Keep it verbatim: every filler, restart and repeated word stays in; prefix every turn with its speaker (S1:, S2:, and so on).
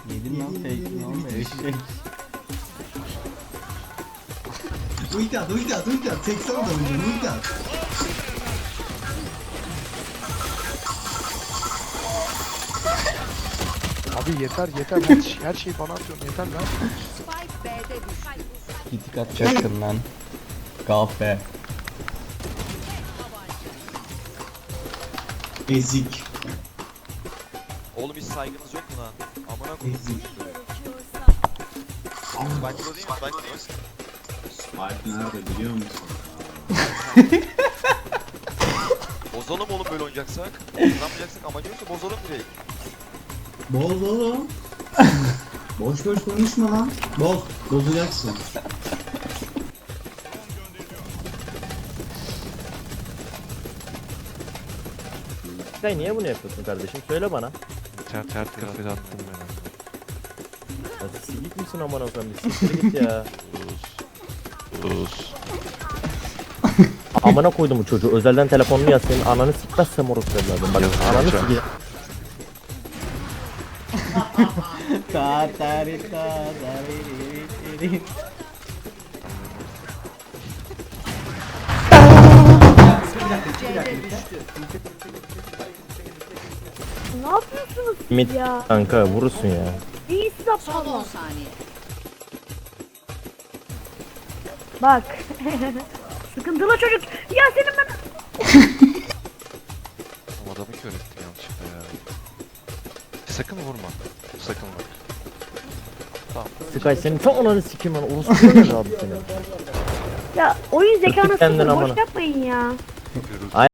S1: Yedin lan fake lan eşek.
S2: Ulti at, ulti at, ulti at. seksen da oynuyor, ulti at.
S3: Abi yeter yeter her, şey- her şeyi bana atıyorsun yeter lan.
S4: Spike B'de düştü.
S1: Gitik atacaktın lan. Kahpe.
S2: Ezik.
S5: Oğlum hiç saygınız yok mu lan? Amına koyayım.
S2: Ezik.
S5: Bak bu değil mi? Bak bu.
S2: Spike nerede biliyor musun?
S5: Bozalım oğlum böyle oynayacaksak. Kazanmayacaksak amacımız da bozalım direkt.
S2: Boz oğlum. Boş boş konuşma lan. Boz. Bozacaksın.
S6: Sen niye bunu yapıyorsun kardeşim? Söyle bana.
S3: Ter ter kafede attım ben.
S6: Ya silik misin aman Hasan? Bir siktir git ya.
S3: Sus.
S6: Amına koydum bu çocuğu. Özelden telefonunu yaz senin ananı sikmezsem orospu evladım. Bak
S3: Yazık
S6: ananı
S3: olacak.
S6: sikeyim.
S1: Tatari tatari.
S4: C'de düştü.
S7: Ne yapıyorsunuz
S6: Mid
S7: ya?
S6: kanka vurursun ya.
S7: İyisiz
S4: Son on
S7: aptallar.
S4: saniye.
S7: Bak. Sıkıntılı çocuk. Ya senin ben...
S3: O adamı kör ettim yanlışlıkla ya. Sakın vurma. Sakın bak. Tamam.
S6: Sky senin tam ananı sikeyim lan. Orospu ne abi senin?
S7: Ya oyun zekanı
S6: kendin
S7: sıfır.
S6: amına.
S7: Boş yapmayın ya.
S3: Görüldü.